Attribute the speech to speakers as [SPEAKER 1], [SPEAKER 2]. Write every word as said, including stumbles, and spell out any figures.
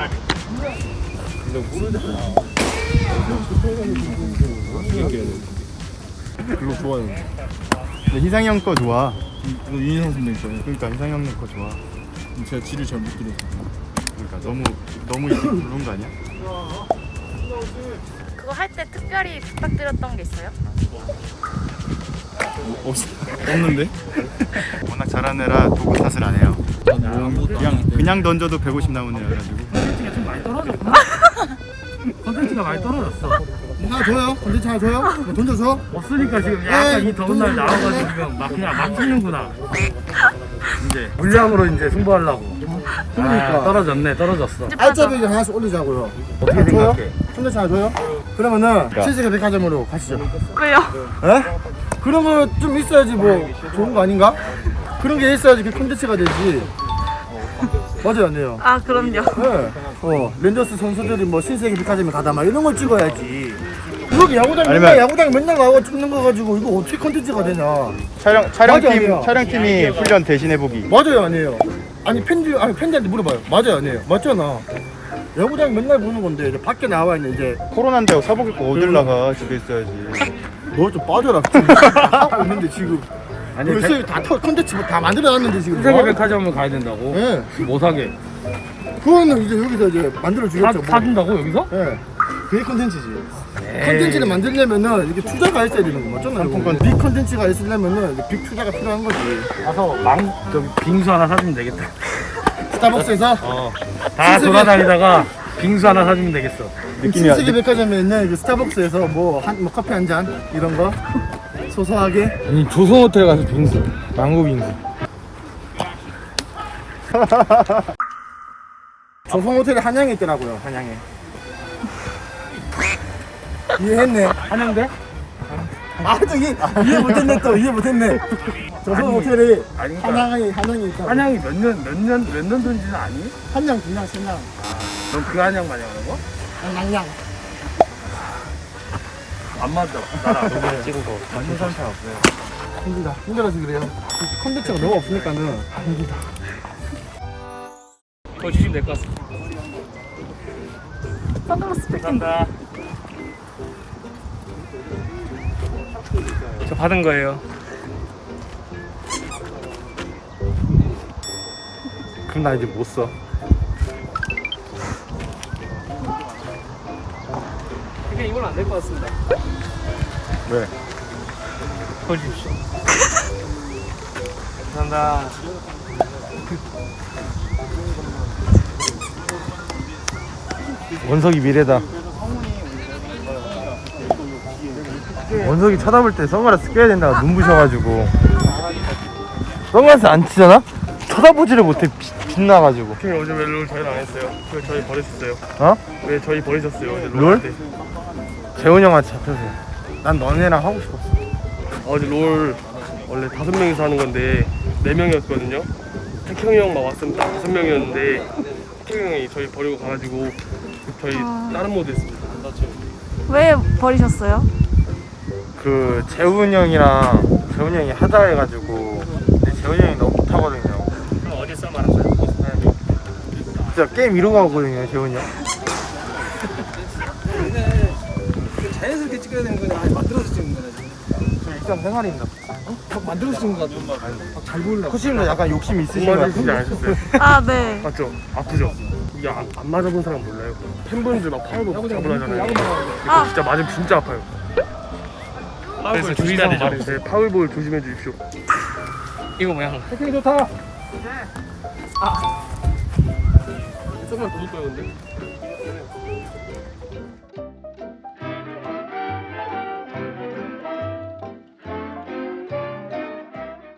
[SPEAKER 1] 그거 좋아요.
[SPEAKER 2] 근데 희상이 형 거 좋아.
[SPEAKER 1] 이거 윤희상 선배님 거예요.
[SPEAKER 2] 그러니까 희상이 형 거 좋아.
[SPEAKER 1] 제가 지를 잘 못 들어서.
[SPEAKER 2] 그러니까 너무 너무 이렇게 부른 거 아니야?
[SPEAKER 3] 그거 할 때 특별히 부탁드렸던 게 있어요?
[SPEAKER 1] 없 없는데?
[SPEAKER 2] 워낙 잘하는 애라 도구 탓을 안 해요. 그냥 그냥 던져도 백오십 나오는 애가지고.
[SPEAKER 4] 컨텐츠가 좀 많이 떨어졌구나. 컨텐츠가 많이 떨어졌어.
[SPEAKER 5] 하나 줘요? 콘텐츠 하나 줘요? 뭐 던져줘?
[SPEAKER 4] 없으니까 지금 약간 이 더운 날 나와가지고 지금 막 그냥 막 튀는구나. 이제 물량으로 이제 승부하려고.
[SPEAKER 5] 그러니까.
[SPEAKER 4] 아, 떨어졌네, 떨어졌어.
[SPEAKER 5] 알짜배기 하나씩 올리자고요.
[SPEAKER 4] 어떻게
[SPEAKER 5] 줘요?
[SPEAKER 4] 생각해?
[SPEAKER 5] 콘텐츠 하나 줘요? 그러면은 신세계 백화점으로 가시죠.
[SPEAKER 3] 왜요?
[SPEAKER 5] 에? 그런 거 좀 있어야지 뭐 좋은 거 아닌가? 그런 게 있어야지 그 콘텐츠가 되지. 맞아요, 안 돼요?
[SPEAKER 3] 아 그럼요.
[SPEAKER 5] 네. 어, 랜더스 선수들이 뭐 신세계 백화점에 가다 막 이런 걸 찍어야지. 여기 야구장 맨날
[SPEAKER 2] 아니면-
[SPEAKER 5] 야구장 맨날 가고 찍는 거 가지고 이거 어떻게 콘텐츠가 되냐?
[SPEAKER 2] 촬영
[SPEAKER 5] 맞아,
[SPEAKER 2] 촬영팀
[SPEAKER 5] 아니야.
[SPEAKER 2] 촬영팀이 훈련 대신해 보기.
[SPEAKER 5] 맞아요, 아니에요? 아니 팬들 아니 팬들한테 물어봐요. 맞아요, 아니에요? 맞잖아. 야구장 맨날 보는 건데 이제 밖에 나와 있는 이제
[SPEAKER 2] 코로나인데 사복 입고 어딜 나가? 집에 있어야지.
[SPEAKER 5] 너 좀 빠져라. 지금 하고 있는데 지금.
[SPEAKER 4] 아니,
[SPEAKER 5] 벌써 다 터- 콘텐츠 다 만들어놨는데 지금.
[SPEAKER 4] 신세계 백화점을 가야 된다고?
[SPEAKER 5] 예.
[SPEAKER 4] 뭐 사게?
[SPEAKER 5] 그거는 이제 여기서 이제 만들어
[SPEAKER 4] 사,
[SPEAKER 5] 주겠죠. 뭐.
[SPEAKER 4] 사준다고 여기서?
[SPEAKER 5] 예. 그게 콘텐츠지. 콘텐츠를 만들려면은 이게 투자가 있어야 되는 거 맞잖아요.
[SPEAKER 2] 상품권.
[SPEAKER 5] 빅 콘텐츠가 있으려면은 이게 빅 투자가 필요한 거지.
[SPEAKER 4] 가서 망, 저기 빙수 하나 사주면 되겠다.
[SPEAKER 5] 스타벅스에서
[SPEAKER 4] 어. 다 돌아다니다가 빙수 하나 사주면 되겠어.
[SPEAKER 2] 느낌이
[SPEAKER 5] 신세계 백화점에 있는 그 스타벅스에서 뭐 한 뭐 커피 한 잔 이런 거 소소하게.
[SPEAKER 4] 아니 조선호텔 가서 빙수, 망고 빙수.
[SPEAKER 5] 조성 호텔에 한양에 있더라고요. 한양에. 이해했네.
[SPEAKER 4] 한양대?
[SPEAKER 5] 아, 또 이해, 이해 못했네, 또 이해 못했네. 조선
[SPEAKER 4] 아니,
[SPEAKER 5] 호텔이
[SPEAKER 4] 아니, 그러니까
[SPEAKER 5] 한양에 한양에 있다.
[SPEAKER 4] 한양이 몇 년, 몇 년, 몇 년 전지는 아니?
[SPEAKER 5] 한양, 분양, 신양,
[SPEAKER 4] 넌 그 한양 마냥 하는 거?
[SPEAKER 5] 양양.
[SPEAKER 4] 안 맞아. 나랑 너무 찍은 거. 완전 상태 없어요.
[SPEAKER 5] 힘들다. 힘들어서 그래요. 콘텐츠가 너무 없으니까는 힘들다.
[SPEAKER 4] 더 주시면 될 것 같습니다.
[SPEAKER 3] 선글라스 뺏긴.
[SPEAKER 4] 감사합니다. 저 받은 거예요.
[SPEAKER 2] 그럼 나 이제 못 써.
[SPEAKER 4] 그냥 이건 안 될 것 같습니다.
[SPEAKER 2] 왜?
[SPEAKER 4] 더 주십시오. 감사합니다.
[SPEAKER 2] 원석이 미래다. 원석이 쳐다볼 때 선글라스 껴야 된다고 눈부셔가지고. 선글라스 안 치잖아? 쳐다보지를 못해. 빛, 빛나가지고.
[SPEAKER 4] 형님 어제 왜 롤 저희 안 했어요? 왜 저희 버리셨어요?
[SPEAKER 2] 어?
[SPEAKER 4] 왜 저희 버리셨어요? 어제
[SPEAKER 2] 롤?
[SPEAKER 4] 할 때?
[SPEAKER 2] 재훈 형한테 잡혀서. 난 너네랑 하고 싶었어.
[SPEAKER 4] 어제 롤 원래 다섯 명이서 하는 건데 네 명이었거든요. 태형이 형만 왔으면 딱 다섯 명이었는데 태형이 형이 저희 버리고 가가지고 저희
[SPEAKER 3] 아.
[SPEAKER 4] 다른 모드 했습니다.
[SPEAKER 3] 왜 버리셨어요?
[SPEAKER 2] 그 재훈 형이랑 재훈 형이 하자 해가지고 근데 재훈 형이 너무 못하거든요.
[SPEAKER 4] 그럼 어제 싸움 안 했어요?
[SPEAKER 2] 진짜 게임 이런 거 하거든요, 재훈이 형.
[SPEAKER 1] 자연스럽게 찍어야 되는 거냐? 아니 만들어서 찍는 거냐?
[SPEAKER 2] 저 일상생활입니다.
[SPEAKER 1] 막 만들어서 찍는 거 같아. 막잘 보이려고.
[SPEAKER 2] 코치님도 약간 욕심이 있으신 것
[SPEAKER 4] 정말 진짜 안
[SPEAKER 2] 같은데.
[SPEAKER 4] 하셨어요?
[SPEAKER 3] 아 네.
[SPEAKER 4] 맞죠? 아프죠? 이게 안, 안 맞아본 사람 몰라요. 팬분들 막 파울도 잡으려 하잖아요. 이거
[SPEAKER 3] 아.
[SPEAKER 4] 진짜 맞으면 진짜 아파요. 그래서 주의사 말인데 파울볼 조심해 주십시오. 이거 뭐야?
[SPEAKER 1] 태클이 좋다.
[SPEAKER 4] 조금만 더 줄 거예요, 근데.